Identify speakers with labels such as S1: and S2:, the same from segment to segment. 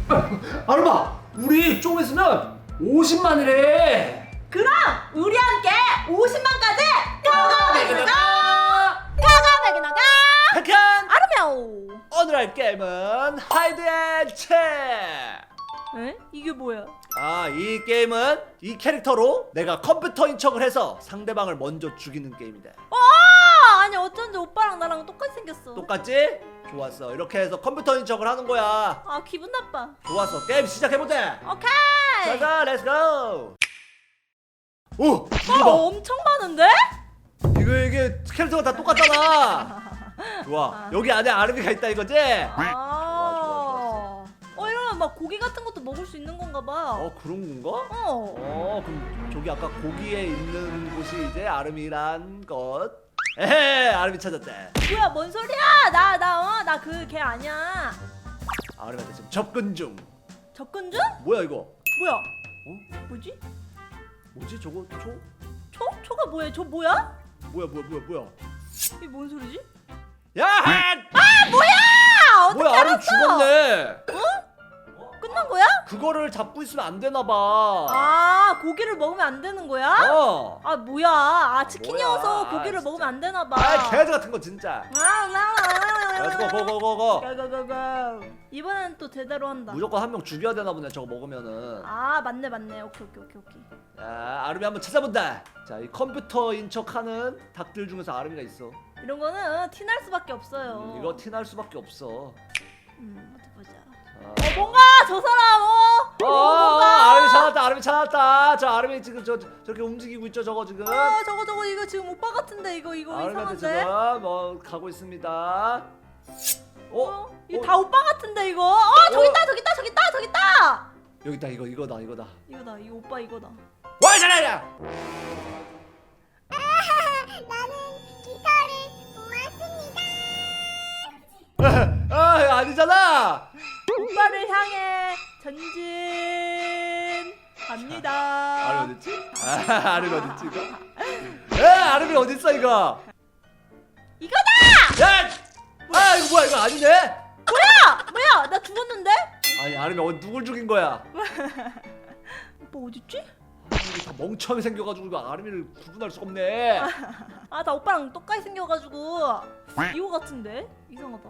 S1: 아르마, 우리 좀 있으면 50만이래.
S2: 그럼 우리 함께 50만까지 가가 나가
S1: 백한!
S2: 아르메오.
S1: 오늘 할 게임은 하이드 앤 체.
S2: 에? 이게 뭐야?
S1: 이 게임은 이 캐릭터로 내가 컴퓨터인 척을 해서 상대방을 먼저 죽이는 게임이다.
S2: 아니 어쩐지 오빠랑 나랑 똑같이 생겼어.
S1: 똑같지? 좋았어. 이렇게 해서 컴퓨터인 척을 하는 거야.
S2: 아 기분 나빠.
S1: 좋았어. 게임 시작해보자.
S2: 오케이.
S1: 자자, 렛츠고. 오! 이거
S2: 엄청 많은데?
S1: 이게 캐릭터가 다 똑같잖아. 좋아. 여기 안에 아르비가 있다 이거지? 좋아.
S2: 이러면 막 고기 같은 것도 먹을 수 있는 건가 봐.
S1: 그런 건가? 그럼 저기 아까 고기에 있는 곳이 이제 아름이란 것. 에헤, 아름이 찾았대.
S2: 뭐야 뭔 소리야? 나 그 걔 아니야.
S1: 아름이한테 지금 접근 중.
S2: 접근 중?
S1: 뭐야 이거?
S2: 뭐야? 뭐지?
S1: 뭐지 저거?
S2: 초가 뭐야? 저 뭐야?
S1: 뭐야?
S2: 이게 뭔 소리지?
S1: 야!
S2: 뭐야? 어떻게
S1: 뭐야, 아름
S2: 알았어?
S1: 죽었네.
S2: 끝난 거야?
S1: 그거를 잡고 있으면 안 되나 봐.
S2: 고기를 먹으면 안 되는 거야? 뭐야? 치킨이어서
S1: 뭐야,
S2: 고기를
S1: 진짜.
S2: 먹으면 안 되나 봐.
S1: 개즈 같은 거 진짜. 렛츠고, 고고고고.
S2: 고고고고. 이번엔 또 제대로 한다.
S1: 무조건 한 명 죽여야 되나 보네 저거 먹으면은.
S2: 맞네. 오케이.
S1: 자, 아름이 한번 찾아본다. 자, 이 컴퓨터인 척하는 닭들 중에서 아름이가 있어.
S2: 이런 거는 티날 수밖에 없어요.
S1: 이거 티날 수밖에 없어.
S2: 어디 보자.
S1: 자.
S2: 뭔가 저 사람 뭔가.
S1: 아름이 찾았다. 저 아름이 지금 저렇게 움직이고 있죠 저거 지금.
S2: 저거 이거 지금 오빠 같은데 이거
S1: 아름이한테
S2: 이상한데?
S1: 지금 가고 있습니다.
S2: 이거 다 오빠 같은데 이거? 저기 있다.
S1: 여기다 이거다.
S2: 이거 오빠 이거다.
S1: 와 잘하냐?
S3: 나는 기타를 모았습니다.
S1: 아니잖아.
S2: 오빠를 향해 전진 갑니다.
S1: 아름이 어딨지? 아름이 어딨지 이거? 아름이 어딨어 이거?
S2: 이거다!
S1: 야! 이거 뭐야 이거 아니네?
S2: 뭐야? 나 죽었는데?
S1: 아니 아름이 누굴 죽인 거야?
S2: 오빠 어딨지?
S1: 이게 다 멍청하게 생겨가지고 이거 아름이를 구분할 수가 없네.
S2: 나 오빠랑 똑같이 생겨가지고 이거 같은데? 이상하다.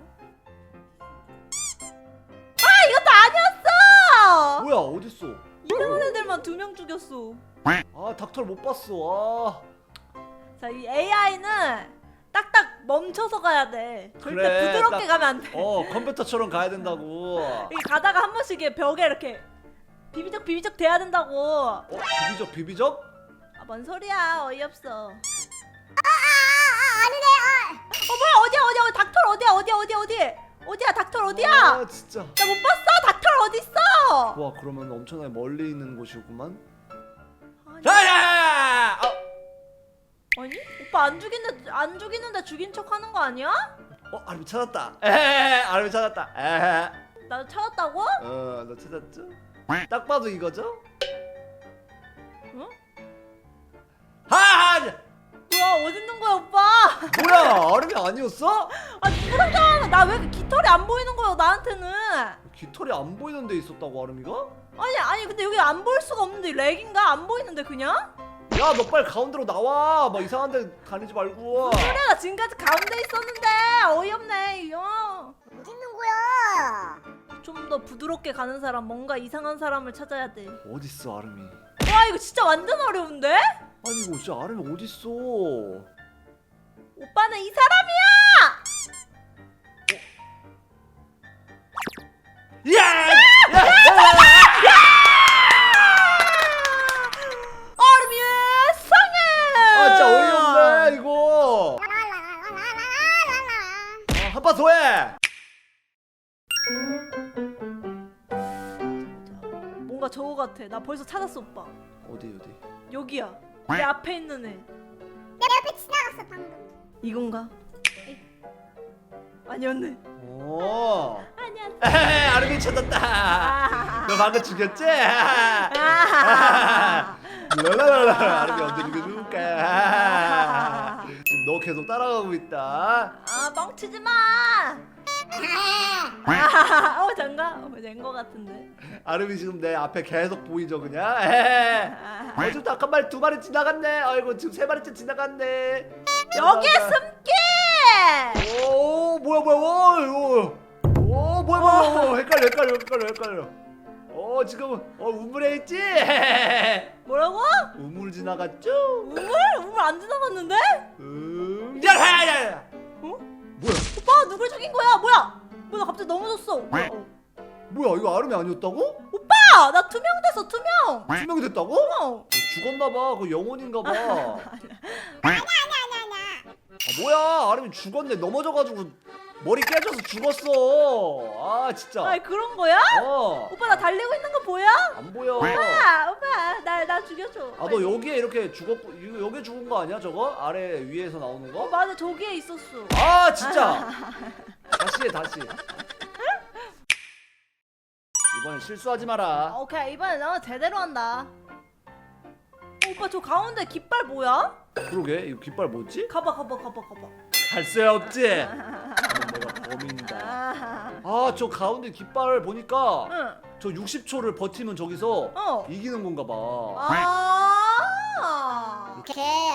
S2: 이것도 아니었어!
S1: 뭐야 어딨어?
S2: 이상한 애들만 2명 죽였어.
S1: 닥터를 못 봤어.
S2: 자, 이 AI는 딱딱 멈춰서 가야 돼. 절대
S1: 그래,
S2: 부드럽게
S1: 딱-
S2: 가면 안 돼.
S1: 컴퓨터처럼 가야 된다고.
S2: 이게 가다가 한 번씩 이게 벽에 이렇게 비비적 돼야 된다고.
S1: 비비적?
S2: 뭔 소리야? 어이없어.
S3: 아니네.
S2: 뭐야? 닥터 어디야? 닥터 어디야?
S1: 진짜.
S2: 나 못 봤어. 닥터 어디 있어?
S1: 와 그러면 엄청나게 멀리 있는 곳이구만.
S2: 아니,
S1: 야야야야!
S2: 아니? 오빠 안 죽이는데 죽인 척하는 거 아니야?
S1: 아름이 찾았다. 아름이 찾았다.
S2: 나 찾았다고?
S1: 너 찾았죠? 딱 봐도 이거죠?
S2: 응?
S1: 뭐야
S2: 어디 있는 거야, 오빠?
S1: 아름이 아니었어?
S2: 누구랑 나 왜 깃털이 안 보이는 거야, 나한테는?
S1: 깃털이 안 보이는 데 있었다고 아름이가?
S2: 아니 근데 여기 안 보일 수가 없는데 렉인가? 안 보이는데 그냥?
S1: 야 너 빨리 가운데로 나와. 막 이상한 데 다니지 말고.
S2: 그래 나 지금까지 가운데 있었는데 어이없네 이거.
S3: 어디 있는 거야?
S2: 좀 더 부드럽게 가는 사람, 뭔가 이상한 사람을 찾아야 돼.
S1: 어딨어 아름이?
S2: 와 이거 진짜 완전 어려운데?
S1: 아니 이거 진짜 아름이 어딨어?
S2: 오빠는 이 사람이야!
S1: 야!
S2: 얼음이 상해!
S1: 진짜 어이없네 이거.
S3: 라라라라라라라.
S1: 한 판 더 해.
S2: 뭔가 저거 같아. 나 벌써 찾았어 오빠.
S1: 어디?
S2: 여기야. 내 앞에 있는 애.
S3: 내 옆에 지나갔어 방금.
S2: 이건가? 아니었네. 아니야.
S1: 아름이 찾았다. 너 방금 죽였지? 랄랄랄라. 아름이 언제 죽여줄까? 지금 너 계속 따라가고 있다.
S2: 멍치지 마. 잠깐. 된거 같은데.
S1: 아름이 지금 내 앞에 계속 보이죠 그냥? 에헤. 지금 닭 한 마리 두 마리 지나갔네. 아이고 지금 세 마리째 지나갔네.
S2: 여기에 숨게.
S1: 오 뭐야 오 뭐야 헷갈려. 지금 우물에 있지?
S2: 뭐라고?
S1: 우물 지나갔죠?
S2: 우물? 우물 안 지나갔는데?
S1: 야야야야.
S2: 어?
S1: 뭐야?
S2: 오빠 누굴 죽인 거야? 뭐야? 나 갑자기 넘어졌어.
S1: 뭐야 이거 아름이 아니었다고?
S2: 오빠 나 투명됐어 투명.
S1: 투명이 됐다고? 죽었나봐. 그 영혼인가봐.
S3: 아니야.
S1: 뭐야 아름이 죽었네. 넘어져가지고 머리 깨져서 죽었어. 아 진짜.
S2: 아이 그런 거야?
S1: 어.
S2: 오빠 나 달리고 있는 거 보여?
S1: 안 보여.
S2: 오빠 나 죽여줘.
S1: 아 너 여기에 이렇게 죽었고 여기 죽은 거 아니야 저거? 아래 위에서 나오는 거?
S2: 맞아 저기에 있었어.
S1: 아 진짜. 다시 해 다시. 이번엔 실수하지 마라.
S2: 오케이 이번에 나 제대로 한다. 오빠 저 가운데 깃발 뭐야?
S1: 그러게 이거 깃발 뭐지?
S2: 가봐.
S1: 갈 수 없지. 내가 범인이다. 아 저 가운데 깃발 보니까
S2: 응.
S1: 저 60초를 버티면 저기서
S2: 어.
S1: 이기는 건가 봐.
S3: 오케이.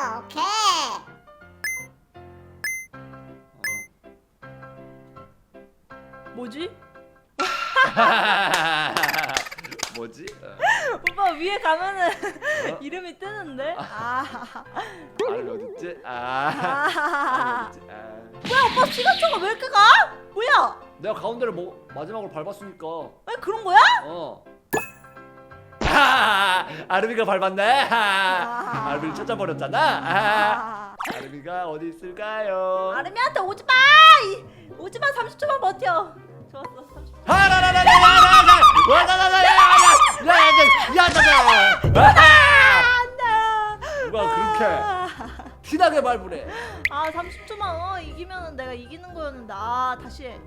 S2: 뭐지?
S1: 뭐지?
S2: 오빠 위에 가면은
S1: 어?
S2: 이름이 뜨는데?
S1: 아름 어딨지? 아름 어딨지?
S2: 뭐야 오빠 시간초가 왜 이렇게 가? 뭐야?
S1: 내가 가운데를 마지막으로 밟았으니까.
S2: 왜 그런 거야?
S1: 아름이가 밟았네. 아름이를 찾아버렸잖아. 아름이가 어디 있을까요?
S2: 아름이한테 오지마! 오지마 30초만 버텨. 좋았어 30초.
S1: 누가 그렇게 티나게 밟으래.
S2: 30초만 이기면은 내가 이기는 거였는데 다시 해.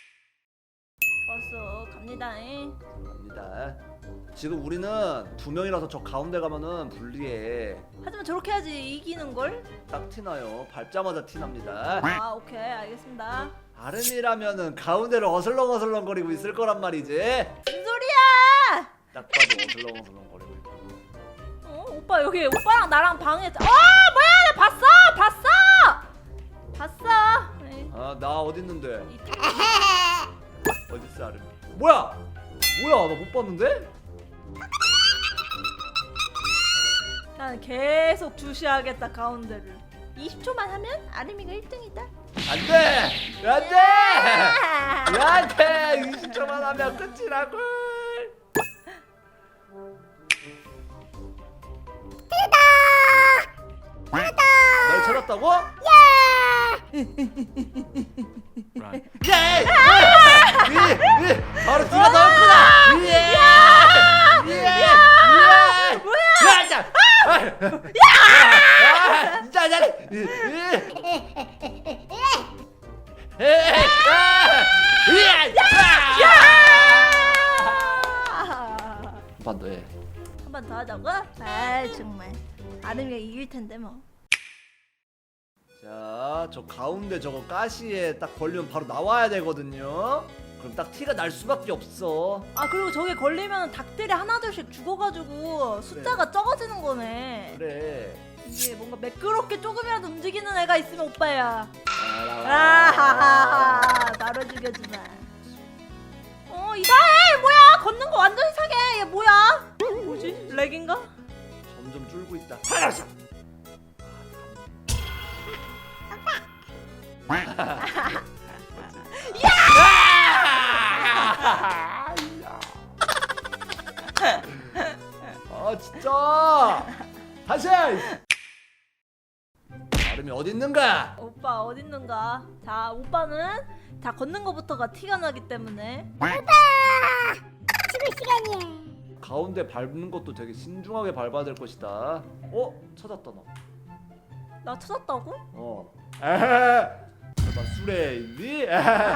S2: 좋았어 갑니다잉.
S1: 갑니다. 지금 우리는 두 명이라서 저 가운데 가면은 불리해.
S2: 하지만 저렇게 해야지 이기는 걸?
S1: 딱 티나요. 밟자마자 티납니다.
S2: 오케이 알겠습니다.
S1: 아름이라면은 가운데를 어슬렁어슬렁거리고 있을 거란 말이지.
S2: 무슨 소리야?
S1: 딱 봐도 어슬렁어슬렁거리고 있고.
S2: 오빠 여기 오빠랑 나랑 방에 뭐야 나 봤어. 에이,
S1: 나 어디 있는데? 어디 있어 아름이? 뭐야 나 못 봤는데?
S2: 난 계속 주시하겠다 가운데를. 20초만 하면 아름이가 1등이다.
S1: 안돼! 안돼! 20초만 하면 끝이라고. 널 찾았다고? 예! 바로 네가 나왔구나. 진짜 잘해. 한번 더 해.
S2: 한 번 더 하자고? 정말 아름이가 이길 텐데 뭐.
S1: 자, 저 가운데 저거 가시에 딱 걸리면 바로 나와야 되거든요. 그럼 딱 티가 날 수밖에 없어.
S2: 그리고 저게 걸리면 닭들이 하나둘씩 죽어가지고 숫자가 적어지는 거네.
S1: 그래.
S2: 이게 뭔가 매끄럽게 조금이라도 움직이는 애가 있으면 오빠야. 나를 죽여주마. 이상해. 뭐야 걷는 거 완전 이상해. 얘 뭐야? 뭐지? 렉인가?
S1: 점점 줄고 있다. 진짜. 다시. 아름이 어디 있는가?
S2: 오빠 어딨는가? 자 오빠는 다 걷는 거부터가 티가 나기 때문에.
S3: 죽을 시간이야.
S1: 가운데 밟는 것도 되게 신중하게 밟아야 될 것이다. 찾았다 나.
S2: 나 찾았다고?
S1: 설마 술에 있니?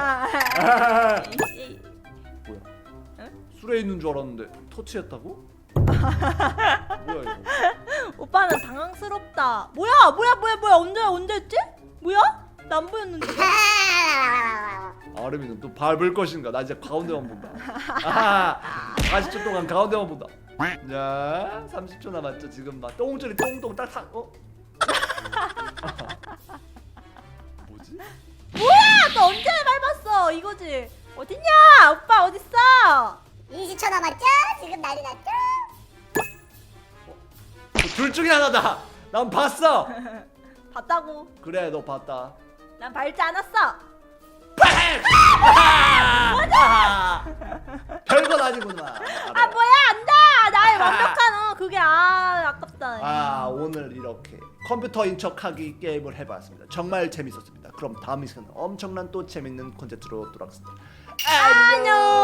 S1: 뭐야? 술에 있는 줄 알았는데 터치했다고? 뭐야 이거?
S2: 오빠는 당황스럽다. 뭐야 언제 했지? 뭐야? 나 안 보였는데.
S1: 아름이는 또 밟을 것인가? 나 이제 가운데만 본다. 아하, 40초 동안 가운데만 본다. 자, 30초 남았죠. 지금 막 똥줄이 똥똥 딱딱. 뭐지?
S2: 뭐야 너 언제 밟았어 이거지. 어딨냐 오빠 어딨어.
S3: 20초 남았죠? 지금 난리 났죠?
S1: 둘 중에 하나다. 난 봤어.
S2: 봤다고.
S1: 그래, 너 봤다.
S2: 난 밟지 않았어.
S1: 별건 아니구나.
S2: 아 뭐야 안돼. 나의 완벽한 그게 아깝다.
S1: 아, 오늘 이렇게 컴퓨터인 척하기 게임을 해봤습니다. 정말 재밌었습니다. 그럼 다음 시간에 엄청난 또 재밌는 콘텐츠로 돌아오겠습니다.
S2: 안녕.